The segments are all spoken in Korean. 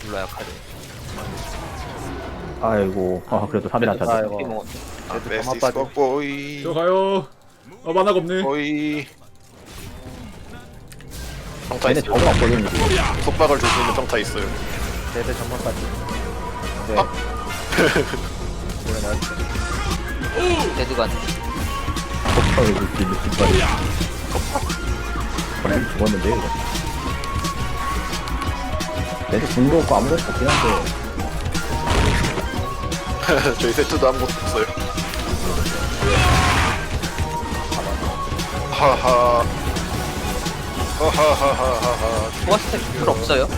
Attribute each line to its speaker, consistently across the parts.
Speaker 1: 몰라 약하네.
Speaker 2: 아이고, 그래도 3일 안
Speaker 1: 아이고.
Speaker 2: 찼네.
Speaker 1: 쟤도
Speaker 3: 베스티스
Speaker 1: 가만 빠지.
Speaker 3: 뻑보이
Speaker 4: 들어가요. 만화가 없네.
Speaker 3: 보이 평타
Speaker 2: 얘네
Speaker 3: 있어요.
Speaker 2: 저거 왔거든, 이거.
Speaker 3: 속박을 줄 수 있는 평타 있어요.
Speaker 1: 쟤들 전망까지. 네. 데드가
Speaker 2: 컵파를 줄수 있는 깃발이. 그래, 죽었는데, 이거. 얘도 궁도 없고 아무것도 없긴 한데.
Speaker 3: 저희 세트도 아무것도 없어요. 하하 하하하하하
Speaker 1: 포화스텝 풀 없어요?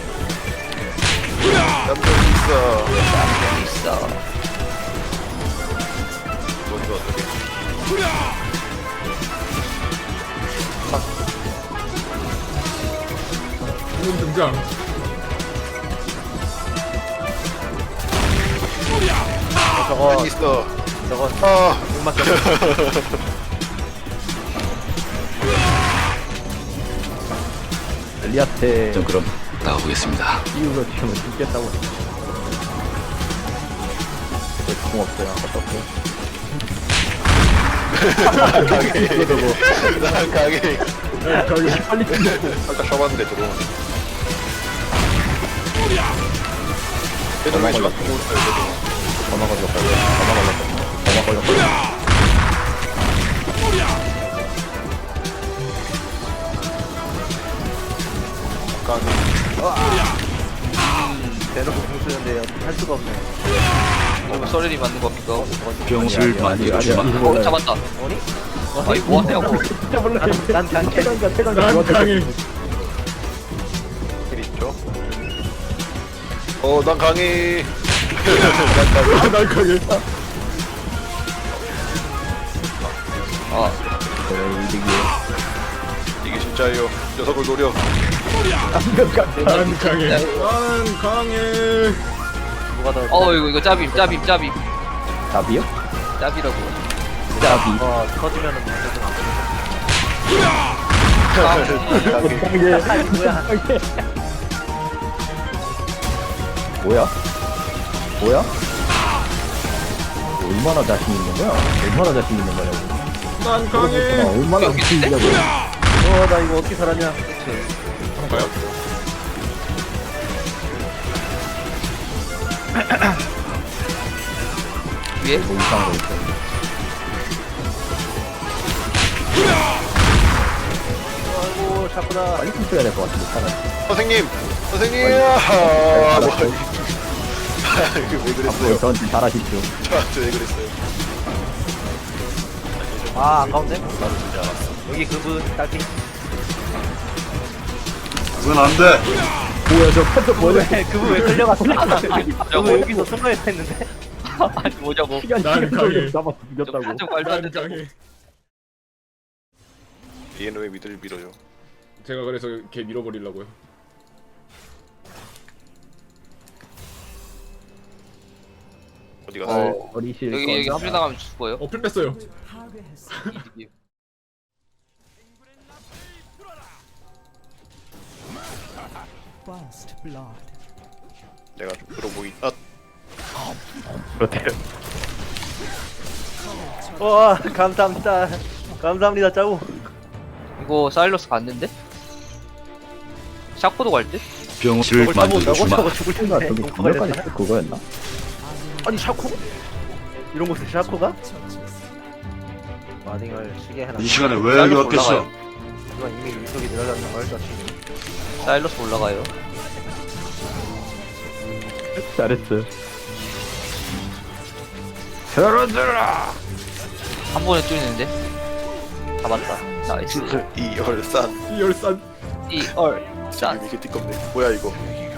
Speaker 3: 남들 있어.
Speaker 1: 있어.
Speaker 3: 뭔가 어떻게
Speaker 4: 지금 등장.
Speaker 1: 저거
Speaker 3: 있어.
Speaker 1: 저건
Speaker 3: 아
Speaker 1: 음악
Speaker 2: 엘리아테
Speaker 5: 전 그럼 나가보겠습니다.
Speaker 2: 이유로 지금은 죽겠다고. 궁 없어요, 아무것도 없고.
Speaker 3: 난 가게
Speaker 4: 가게.
Speaker 2: 빨리 죽여.
Speaker 3: 아까 쳐봤는데 들어오네. 얘들 왜 저렇게 보고 있어요?
Speaker 2: 전화 걸렸다고. 전화 걸렸다고.
Speaker 1: 대놓고 공 쓰는데 할 수가 없네. 이거 썰이 맞는 겁니까?
Speaker 5: 병실 만들어주마.
Speaker 1: 잡았다. 아니? 아니 뭐 하냐고.
Speaker 2: 진짜 몰라.
Speaker 1: 난 단체.
Speaker 2: 태강가
Speaker 4: 난 강해.
Speaker 3: 힐 있죠? 난 강해.
Speaker 4: 난 강해.
Speaker 1: 아
Speaker 2: 그래,
Speaker 3: 이게 진짜예요. 녀석을 노려.
Speaker 2: 이득이야.
Speaker 4: 난 강해. 난 강해.
Speaker 1: 누가 더? 이거 짭임.
Speaker 2: 답이요?
Speaker 1: 짭이라고.
Speaker 2: 답이.
Speaker 1: 터지면은 무슨 안
Speaker 2: 뭐야? 뭐야? 얼마나 자신 있는 거야? 얼마나 자신 있는 거냐고.
Speaker 4: 난 강해.
Speaker 2: 얼마나 자신 있냐고.
Speaker 1: 나 이거 어떻게 살았냐?
Speaker 3: 봐요.
Speaker 1: 위에?
Speaker 2: 뭐 이상한 거 있어.
Speaker 1: 아이고 샤프다.
Speaker 2: 빨리 춤춰야 될 것 같은데, 차라리.
Speaker 3: 선생님. 이게 왜 그랬어요?
Speaker 2: 저한테 잘하십시오.
Speaker 3: 저한테 왜 그랬어요?
Speaker 1: 아 아까운데?
Speaker 3: 나도 진짜 알았어.
Speaker 1: 여기 그분 딸피.
Speaker 5: 그건 안 돼.
Speaker 2: 뭐야, 저 판도 뭐야?
Speaker 1: 그분 왜 끌려갔어? 그분 여기서 숨어야 했는데? 아니 뭐냐고.
Speaker 2: 시간
Speaker 4: 난 강해.
Speaker 2: 잡아서 죽였다고.
Speaker 1: 좀 말도 안
Speaker 4: 난
Speaker 1: 된다고.
Speaker 4: 강해.
Speaker 3: 얘는 왜 미드를 밀어요?
Speaker 4: 제가 그래서 걔 밀어버리려고요.
Speaker 3: 어디 갔어?
Speaker 2: 어리실
Speaker 1: 여기 합류 나가면 죽어요.
Speaker 4: 풀 뺐어요.
Speaker 6: First blood.
Speaker 3: 내가 좀 들어보기.
Speaker 2: 그렇대요.
Speaker 1: 와 감사합니다. 감사합니다 짜고. 이거 사일러스 갔는데? 샤코도 갈 듯?
Speaker 5: 병실 만들어주마.
Speaker 1: 저거 죽을
Speaker 2: 뭔가
Speaker 1: 텐데.
Speaker 2: 저기 구별까지 그거였나?
Speaker 1: 아니 샤코? 이런 곳에 샤코가? 마딩을 시계 해놔.
Speaker 5: 이 시간에 왜 여기 왔겠어?
Speaker 1: 이건 이미 일속이 늘어졌는 걸 자신이. 사일러스 올라가요.
Speaker 2: 잘했어.
Speaker 1: 한 번에 뚫리는데? 잡았다. 나이스.
Speaker 3: 이열산.
Speaker 4: 이열산.
Speaker 1: 짠.
Speaker 3: 이게 띠껍네. 뭐야 이거?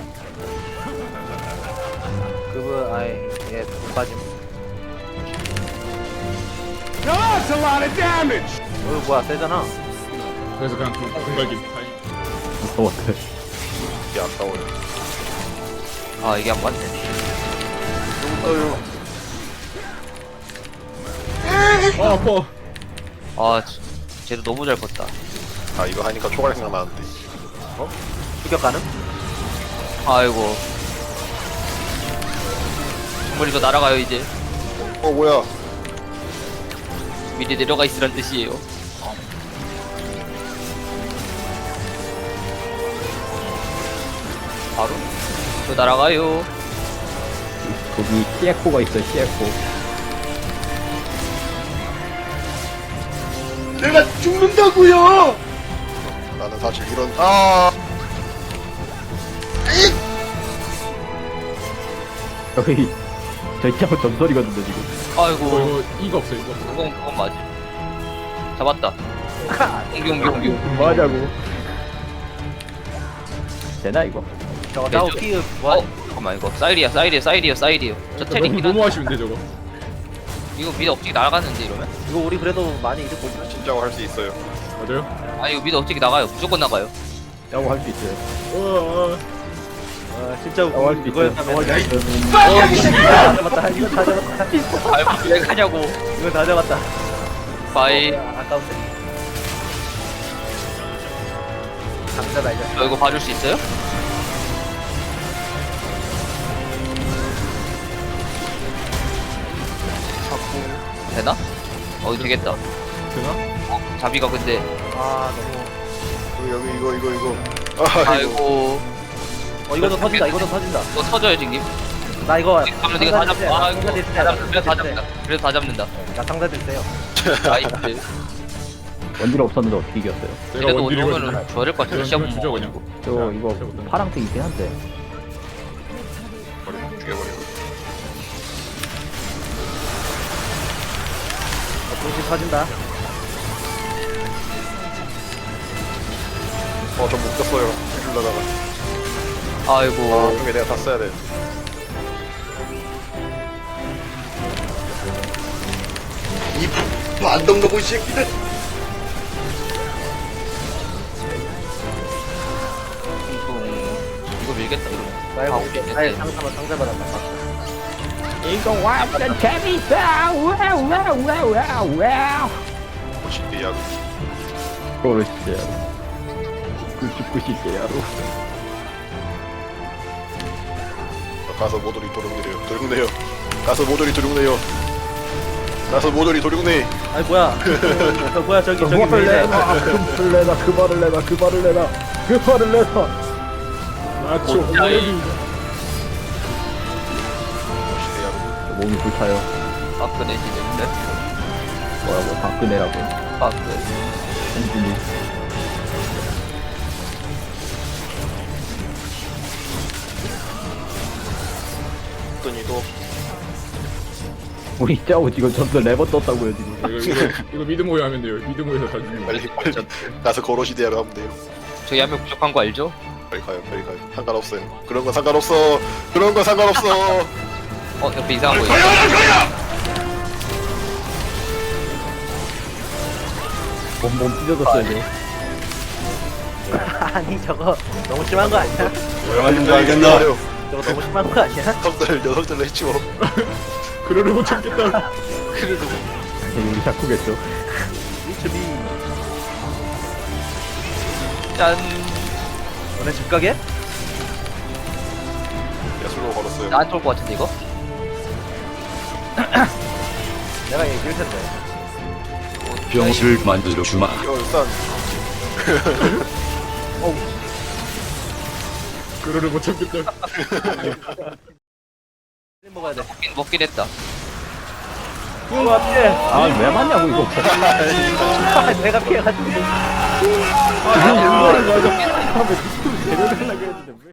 Speaker 1: 그분 아예 얘 빠짐. 뭐야 세잖아.
Speaker 4: 그래서 그냥 공갈김.
Speaker 2: 무서웠어.
Speaker 3: 이게 아까워요.
Speaker 1: 아 이게 안 맞네.
Speaker 4: 아파.
Speaker 1: 아 쟤도 너무 잘 컸다.
Speaker 3: 이거 하니까 초갈 생각나는데.
Speaker 1: 추격 가능? 아이고 버리고 날아가요 이제.
Speaker 3: 뭐야?
Speaker 1: 미리 내려가 있으란 뜻이에요. 바로 저 날아가요.
Speaker 2: 거기 CF가 있어, CF.
Speaker 3: 나는 사실 이런
Speaker 2: 저희 팀은 전설이거든요, 지금.
Speaker 1: 아이고
Speaker 4: 이거 이거 없어 이거.
Speaker 1: 그건 맞지. 잡았다. 옮겨.
Speaker 2: 뭐 하자고. 되나, 이거?
Speaker 1: 저거 나오 키 잠깐만 이거 사이리야. 저 테링
Speaker 4: 너무 아쉬운데 저거.
Speaker 1: 이거 미드 어떻게 나가는데 이러면?
Speaker 7: 이거 우리 그래도 많이 이득 보지.
Speaker 3: 진짜고 할 수 있어요.
Speaker 4: 맞아요?
Speaker 1: 아 이거 미드 어떻게 나가요? 무조건 나가요.
Speaker 2: 라고 할 수 있어요.
Speaker 7: 진짜
Speaker 2: 라고 할 수 있어요.
Speaker 7: 이거였다면 다 잡았다. 이거 다 잡았다.
Speaker 1: 아이고 왜 가냐고.
Speaker 7: 이거 다 잡았다.
Speaker 1: 바이.
Speaker 7: 아까운데. 감자 말자.
Speaker 1: 저 이거 봐줄 수 있어요? 되나? 되겠다.
Speaker 4: 되나?
Speaker 1: 자비가 근데
Speaker 7: 아 너무.
Speaker 3: 여기 이거.
Speaker 1: 아이고
Speaker 7: 이거도 터진다. 이거도 터진다.
Speaker 1: 이거 터져요 지금.
Speaker 7: 나 이거.
Speaker 1: 그러면 이거 다 잡. 아이고 그래도 다 잡는다. 그래도 다 잡는다.
Speaker 7: 나 상자들 세요.
Speaker 1: 나이스.
Speaker 2: 원딜 없었는데 어떻게 이겼어요?
Speaker 4: 내가
Speaker 1: 그래도
Speaker 4: 원딜이거든.
Speaker 1: 오면은 줘야 될 것 같은데
Speaker 4: 그냥
Speaker 1: 시험
Speaker 4: 주죠
Speaker 1: 못
Speaker 4: 그냥.
Speaker 2: 저 이거 파랑색 있긴 한데.
Speaker 3: 죽여버려.
Speaker 7: 중심 터진다.
Speaker 3: 전 묶였어요. 이러다가.
Speaker 1: 아이고
Speaker 3: 그게 내가 다 써야 돼. 이 안동놈의 새끼들.
Speaker 1: 이거 밀겠다 이러면.
Speaker 7: 나 이거.
Speaker 1: 오케이.
Speaker 7: 아예 상자 받았다.
Speaker 2: 이거 완전 재밌다! 와우, 와우, 와우, 와우, 와우!
Speaker 3: 멋있게 야.
Speaker 2: 그러시대요. 죽고 싶대요.
Speaker 3: 가서 모조리 도둑내요. 가서 모조리 도둑내요.
Speaker 7: 아니 뭐야? 뭐야 저기 왜
Speaker 2: 그말을
Speaker 7: 이래?
Speaker 2: 내놔! 그 말을 내놔!
Speaker 4: 나초
Speaker 1: 오짜이.
Speaker 3: 멋있게 야.
Speaker 2: 몸이 불타요.
Speaker 1: 화끈해지는데.
Speaker 2: 뭐라고, 박근혜라고.
Speaker 1: 화끈.
Speaker 2: 홍준이.
Speaker 3: 어떠니도
Speaker 2: 우리 짜오 지금 전설 레버 떴다고요, 지금.
Speaker 4: 이거 미드 모여 하면 돼요. 미드 모여서 다 죽는 거.
Speaker 3: 빨리 가서 거로시대하러 하면 돼요.
Speaker 1: 저기 한 명 부족한 거 알죠?
Speaker 3: 빨리 가요. 상관없어요. 그런 건 상관없어.
Speaker 1: 옆에 이상한 거 있어.
Speaker 2: 몸 찢어졌어요, 지금.
Speaker 7: 아니 저거 너무 심한 거 아니야?
Speaker 5: 조용하신 거 알겠나?
Speaker 7: 저거 너무 심한 거 아니야?
Speaker 3: 녀석들 했지 뭐.
Speaker 4: 그러를 못 참겠다.
Speaker 1: 그래도
Speaker 2: 우리 샤쿠겠죠.
Speaker 7: 리츠비.
Speaker 1: 짠.
Speaker 7: 너네 집 가게?
Speaker 3: 야술로 걸었어요.
Speaker 1: 나한테 올것 같은데 이거?
Speaker 7: 내가 얘기할 텐데.
Speaker 5: 병실 만들어 주마.
Speaker 3: 이거 일단
Speaker 4: 그러를 못 참겠다.
Speaker 7: 먹어야 돼.
Speaker 1: 먹긴 했다.
Speaker 7: 그거 같아.
Speaker 2: 아, 왜 맞냐고, 이거.
Speaker 7: 내가 피해가지고.
Speaker 2: 아, 이거 맞아. 데려가려고 했는데.